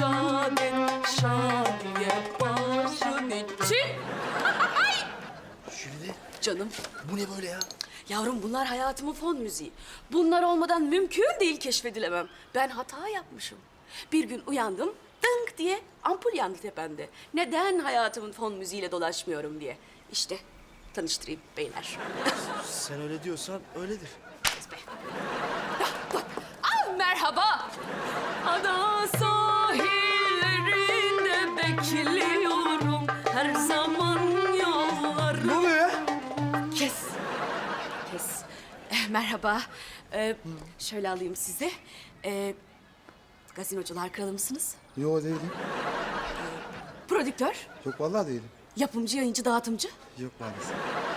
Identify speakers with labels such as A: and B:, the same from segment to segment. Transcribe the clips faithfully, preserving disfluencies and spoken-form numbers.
A: şadet, şadiye başın için.
B: Jülide,
A: Canım,
B: bu ne böyle ya?
A: yavrum bunlar hayatımın fon müziği. Bunlar olmadan mümkün değil keşfedilemem. Ben hata yapmışım. Bir gün uyandım, dınk diye ampul yandı tepemde. Neden hayatımın fon müziğiyle dolaşmıyorum diye. İşte tanıştırayım beyler.
B: Sen öyle diyorsan öyledir.
A: Ah, merhaba. Ada sahillerinde bekliyorum her zaman yolları.
B: Ne oluyor ya?
A: Kes. Kes. Eh, merhaba. Ee, şöyle alayım sizi. Ee, gazinocular kralı mısınız?
B: Yo değilim.
A: Prodüktör,
B: Yok vallahi değilim.
A: yapımcı, yayıncı, dağıtımcı.
B: Yok maalesef.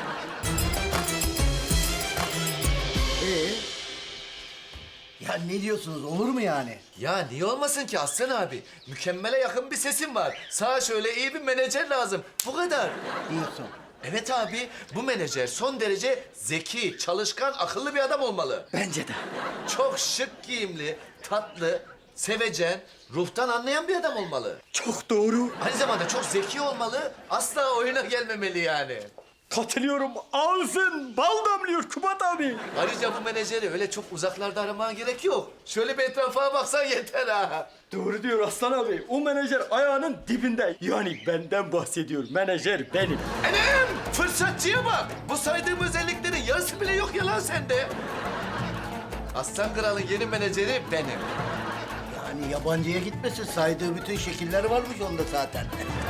C: Ee? Ya ne diyorsunuz? Olur mu yani?
D: Ya niye olmasın ki Aslan abi? Mükemmele yakın bir sesin var. Sana şöyle iyi bir menajer lazım. Bu kadar.
C: Diyorsun.
D: Evet abi, bu menajer son derece zeki, çalışkan, akıllı bir adam olmalı.
C: Bence de.
D: Çok şık giyimli, tatlı, sevecen, ruhtan anlayan bir adam olmalı.
E: Çok doğru.
D: Aynı zamanda çok zeki olmalı, asla oyuna gelmemeli yani.
E: Katılıyorum. Ağzın bal damlıyor Kubat abi.
D: Ayrıca bu menajeri öyle çok uzaklarda aramaya gerek yok. Şöyle bir etrafa baksan yeter ha.
E: Doğru diyor Aslan abi. O menajer ayağının dibinde. Yani benden bahsediyor. Menajer benim.
D: Enem! Fırsatçıya bak! Bu saydığım özelliklerin yarısı bile yok ya lan sende. Aslan Kral'ın yeni menajeri benim.
C: Yani yabancıya gitmesin. Saydığı bütün şekiller varmış onda zaten.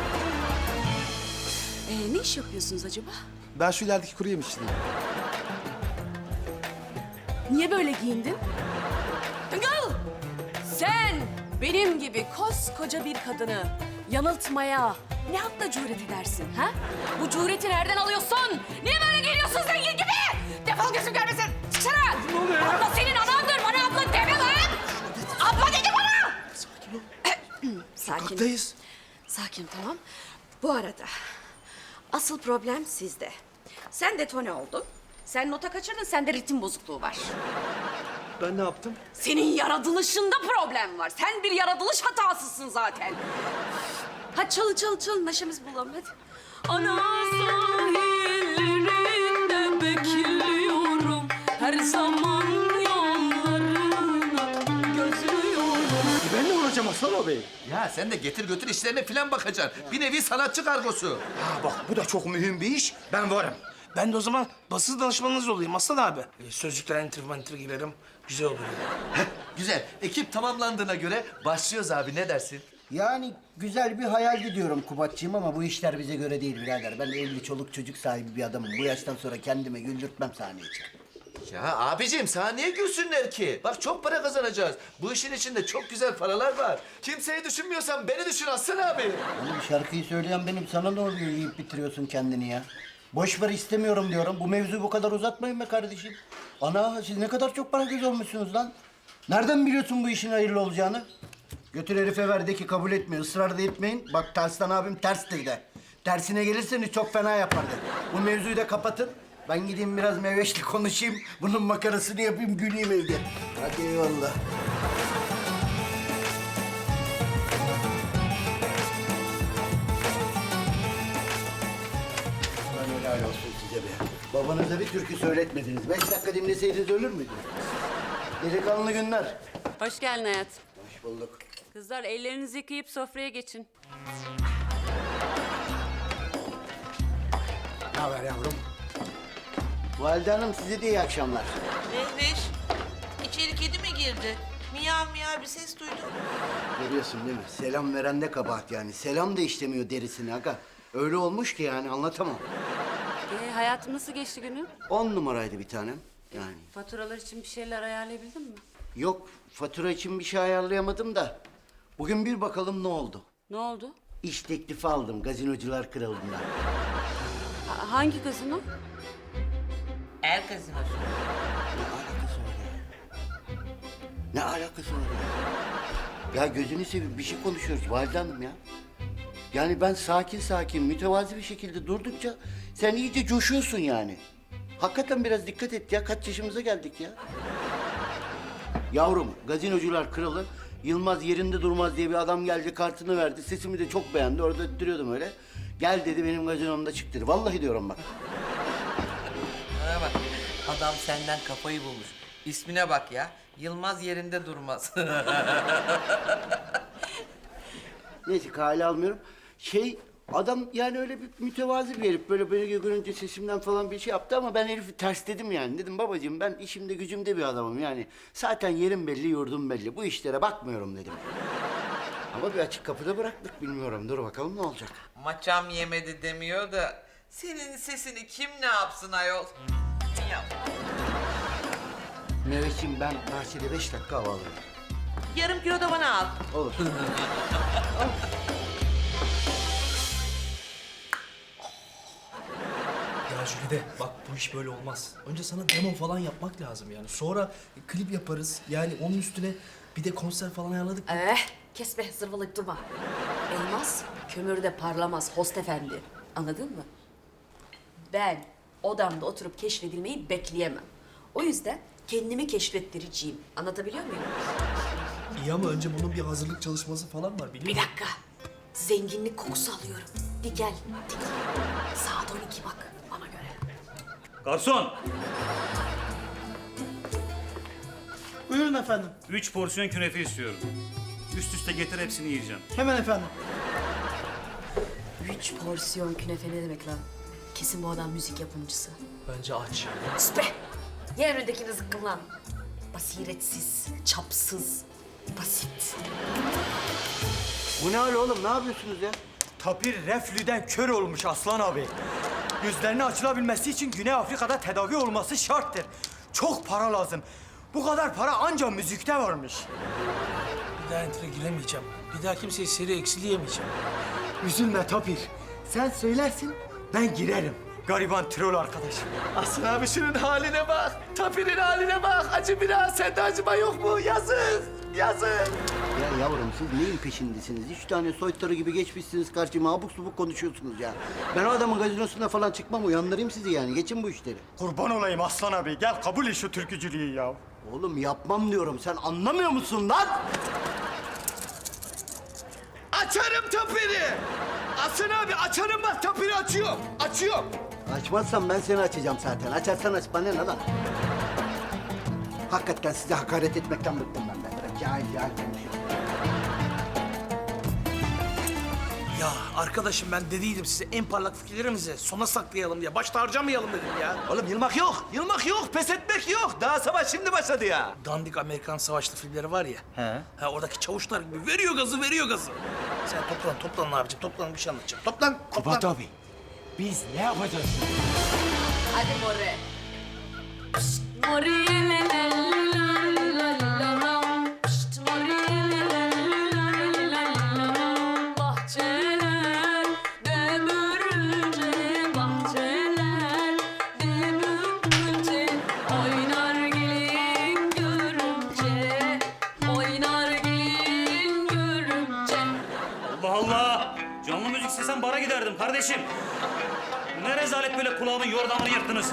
A: Ee, ne iş yapıyorsunuz acaba?
B: Ben şu ilerideki kuru yemişçiyim.
A: Niye böyle giyindin? Tıngıl! Sen benim gibi koskoca bir kadını yanıltmaya ne hakla cüret edersin ha? Bu cüreti nereden alıyorsun? Niye böyle geliyorsun zengin gibi? Defol gözüm görmesin. Çıksana!
E: Ne oluyor ya?
A: Abla senin anandır. Bana abla deme lan! Abla dedi bana!
B: Sakin ol.
A: Sakin.
B: Sokaktayız.
A: Sakin tamam. Bu arada asıl problem sizde. Sen detone oldun. Sen nota kaçırdın, sende ritim bozukluğu var.
B: Ben ne yaptım?
A: Senin yaratılışında problem var. Sen bir yaratılış hatasısın zaten. Hadi çalın çalın çalın neşemiz bulalım hadi. Ana sahillerinde bekliyorum. Her zaman yollarına gözlüyorum.
E: Ben ne olacağım Aslan abi?
D: Ya sen de getir götür işlerine falan bakacaksın. Bir nevi sanatçı kargosu.
E: Ha bak bu da çok mühim bir iş. Ben varım.
F: Ben de o zaman basın danışmanınız olayım Aslan abi. Ee, sözlükten enter manter girerim. Güzel olur yani.
D: Güzel. Ekip tamamlandığına göre başlıyoruz abi. Ne dersin?
C: Yani güzel bir hayal gidiyorum Kubatçığım ama bu işler bize göre değil birader. Ben evli çoluk çocuk sahibi bir adamım. Bu yaştan sonra kendime güldürtmem sahneye çıkıp.
D: Ya abicim sana niye gülsünler ki? Bak çok para kazanacağız. Bu işin içinde çok güzel paralar var. Kimseyi düşünmüyorsan beni düşün Aslan abi.
C: Oğlum şarkıyı söyleyen benim. Sana ne oluyor yiyip bitiriyorsun kendini ya? Boş ver istemiyorum diyorum. Bu mevzuyu bu kadar uzatmayın be kardeşim. Ana siz ne kadar çok para göz olmuşsunuz lan. Nereden biliyorsun bu işin hayırlı olacağını? Götür herife ver de ki kabul etmiyor. Israr da etmeyin. Bak Tarslan abim terstir de. Tersine gelirseniz çok fena yapardı. Bu mevzuyu da kapatın. Ben gideyim biraz Meveş'le konuşayım. Bunun makarasını yapayım, güleyim evde. Hadi eyvallah. Lan helal olsun size be. Babanıza bir türkü söyletmediniz. Beş dakika dinleseydiniz ölür müydünüz? Delikanlı günler.
A: Hoş geldin hayat.
C: Hoş bulduk.
A: Kızlar ellerinizi yıkayıp sofraya geçin.
C: Ne haber yavrum? Valide Hanım size de iyi akşamlar.
G: Mehveş, içeri kedi mi girdi? Miyav miyav bir ses duydum.
C: Görüyorsun değil mi? Selam veren de kabahat yani. Selam da işlemiyor derisini aga. Öyle olmuş ki yani anlatamam.
A: Ee, hayatım nasıl geçti günün?
C: On numaraydı bir tanem. Yani
A: Faturalar için bir şeyler ayarlayabildin mi?
C: yok fatura için bir şey ayarlayamadım da. Bugün bir bakalım ne oldu?
A: Ne oldu?
C: İş teklifi aldım Gazinocular Kralı'ndan.
A: Ha- hangi gazino?
G: Er gazinosu.
C: Ne alakası var ya? Ne alakası var ya? Ya gözünü seveyim bir şey konuşuyoruz Valide Hanım ya. Yani ben sakin sakin mütevazi bir şekilde durdukça sen iyice coşuyorsun yani. Hakikaten biraz dikkat et ya. Kaç yaşımıza geldik ya. Yavrum, Gazinocular Kralı Yılmaz yerinde durmaz diye bir adam geldi, kartını verdi. Sesimi de çok beğendi. Orada öttürüyordum öyle. Gel dedi, benim gazinomda çık dedi. Vallahi diyorum bak.
G: Bana bak. Adam senden kafayı bulmuş. İsmine bak ya. Yılmaz yerinde durmaz.
C: Neyse, kale almıyorum. Şey, adam yani öyle bir mütevazi bir herif. Böyle beni görünce sesimden falan bir şey yaptı ama ben herifi tersledim yani. Dedim babacığım, ben işimde gücümde bir adamım yani. Zaten yerim belli, yurdum belli. Bu işlere bakmıyorum dedim. Ama bir açık kapıda bıraktık, bilmiyorum. Dur bakalım ne olacak.
G: Maçam yemedi demiyor da senin sesini kim ne yapsın ayol? Yap.
C: Mehmetciğim, ben bahçede beş dakika hava alırım.
G: Yarım kilo da bana al.
C: Olur.
H: Ya Jülide bak bu iş böyle olmaz. Önce sana demo falan yapmak lazım yani. Sonra klip yaparız. Yani onun üstüne bir de konser falan ayarladık.
A: Eh, kes be, zırvalayıp durma. Elmas kömürde parlamaz host efendi. Anladın mı? Ben odamda oturup keşfedilmeyi bekleyemem. O yüzden kendimi keşfettireceğim. Anlatabiliyor muyum?
H: İyi ama önce bunun bir hazırlık çalışması falan var biliyor
A: Bir
H: musun?
A: dakika. Zenginlik kokusu alıyorum. Bir gel, dik. Saat on iki bak, bana göre.
I: Garson,
E: Buyurun efendim.
I: üç porsiyon künefe istiyorum. Üst üste getir, hepsini yiyeceğim.
E: Hemen efendim.
A: Üç porsiyon künefe ne demek lan? Kesin bu adam müzik yapımcısı.
H: Bence aç.
A: Sus be! Ye önündekini zıkkım lan. Basiretsiz, çapsız, basit.
C: Bu ne hal oğlum? Ne yapıyorsunuz ya?
E: Tapir reflüden kör olmuş Aslan abi. Gözlerinin açılabilmesi için Güney Afrika'da tedavi olması şarttır. Çok para lazım. Bu kadar para ancak müzikte varmış.
F: Bir daha enter'a giremeyeceğim. Bir daha kimseyi seri eksileyemeyeceğim.
E: Üzülme Tapir. Sen söylersin, ben girerim. Gariban troll arkadaşım.
D: Aslan abi şunun haline bak. Tapir'in haline bak. Acı biraz. Sende acıma yok mu? Yazık. Yazık.
C: Ya yavrum, siz neyin peşindesiniz? Üç tane soytarı gibi geçmişsiniz karşıma, abuk subuk konuşuyorsunuz ya. Ben o adamın gazinosuna falan çıkmam, uyandırayım sizi yani. Geçin bu işleri.
E: Kurban olayım Aslan abi. Gel kabul et şu türkücülüğü ya.
C: Oğlum yapmam diyorum. Sen anlamıyor musun lan?
D: Açarım Tapir'i. Aslan abi açarım bak. Tapir'i açıyorum. Açıyorum.
C: Açmazsan ben seni açacağım zaten. Açarsan aç, bana ne lan? Hakikaten size hakaret etmekten bıktım ben. Ben böyle cahil cahil konuşuyorum.
F: Ya arkadaşım ben dediydim size en parlak fikirlerimizi sona saklayalım diye. Başta harcamayalım dedim ya.
D: Oğlum yılmak yok. Yılmak yok. Pes etmek yok. Daha savaş şimdi başladı ya.
F: Dandik Amerikan savaşlı filmleri var ya. He. Ha oradaki çavuşlar gibi veriyor gazı veriyor gazı. Sen toplan toplan abicim toplan bir şey anlatacağım. Toplan toplan.
E: Kubat abi, biz ne yapacağız?
A: Hadi more. Pişt, more le le la la la la. Pişt, more le le la la la la. Bahçeler dömürünce, bahçeler dömürünce. Oynar gelin görümce, oynar gelin görümce.
I: Allah Allah! Canlı müzik istesem bara giderdim kardeşim. Bu ne rezalet böyle, kulağımın yordamını yırttınız.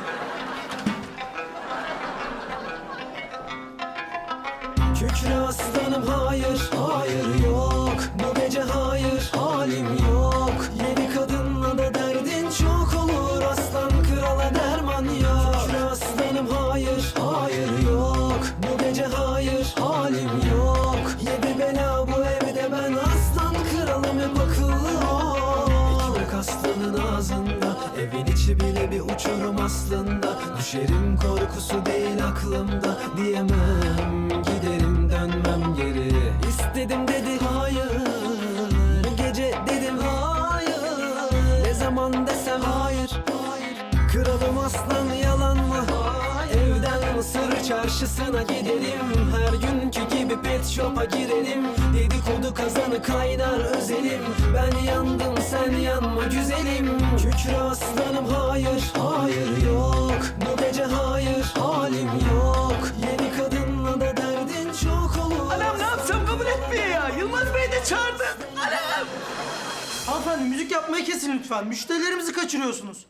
J: Kükre aslanım hayır, hayır yok. Bu gece hayır, halim yok. Yedi kadınla da derdin çok olur. Aslan krala derman yok. Kükre aslanım hayır, hayır yok. Bu gece hayır, halim yok. Yedi bela bu evde, ben aslan kralım hep akıllı ol. Ekmek aslanın ağzında, evin içi bile bir uçurum aslında. Düşerim korkusu değil aklımda, diyemem giderim dönmem geri. İstedim dedi hayır, bu gece dedim hayır. Ne zaman desem hayır, kralım aslan yalan mı? Evden Mısır çarşısına gidelim, her günkü gibi pet shop'a girelim. Dedikodu kazanı kaynar özelim, ben yandım sen yanma güzelim. Kükre aslanım hayır, hayır yok. Bu gece hayır, halim yok. Yeni kadınla da derdin çok olur.
D: Anam ne yapsam kabul etmiyor ya. Yılmaz Bey de çağırdı. Anam.
E: Hanımefendi müzik yapmayı kesin lütfen. Müşterilerimizi kaçırıyorsunuz.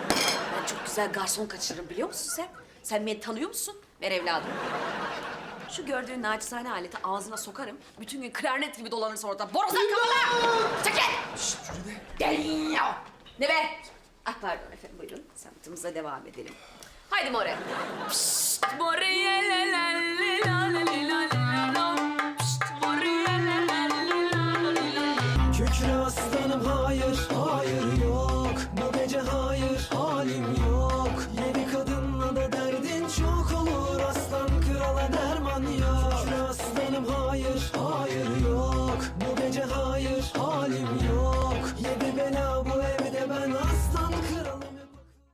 A: Ben çok güzel garson kaçırırım biliyor musun sen? Sen beni tanıyor musun? Ver evladım. Şu gördüğün naçizane aleti ağzına sokarım. Bütün gün klarnet gibi dolanırsın orada. Borazan kafalı! Çekil! Şşt Jülide! Ne be? Ah pardon efendim buyurun. Sanatımıza devam edelim. Haydi More. Pişt More!